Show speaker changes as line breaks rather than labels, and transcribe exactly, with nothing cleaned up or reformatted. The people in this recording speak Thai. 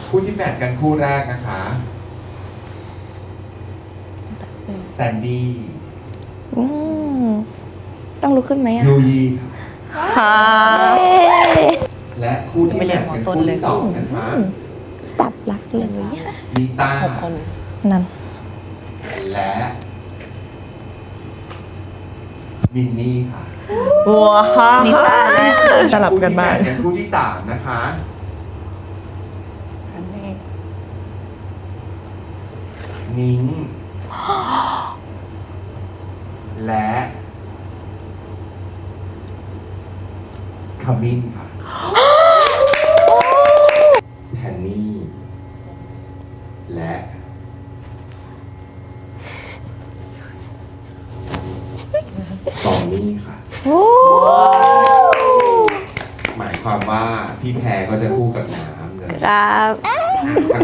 คู่ที่แมทกันคู่แรกนะคะแซนดี้
อืมต้องลุกขึ้นไหมอ่ะ
ยูยีค่ะ
ค่ะ
และคู่ที่แมทกันคู่ที่สองนะคะ
จับรักเลย
นิต้า
นั่น
และมินนี่ค่ะ
ว้าว
นิต้าและ
สลับกันบ้าง
คู่ที่แมทกันคู่ที่สามนะคะนิ้งและขมิ้นค่ะแฮนนี่และตองนี่ค่ะ
โอ้
หมายความว่าพี่แพรก็จะคู่กับน้ำเลย
ครับ
ทั้ง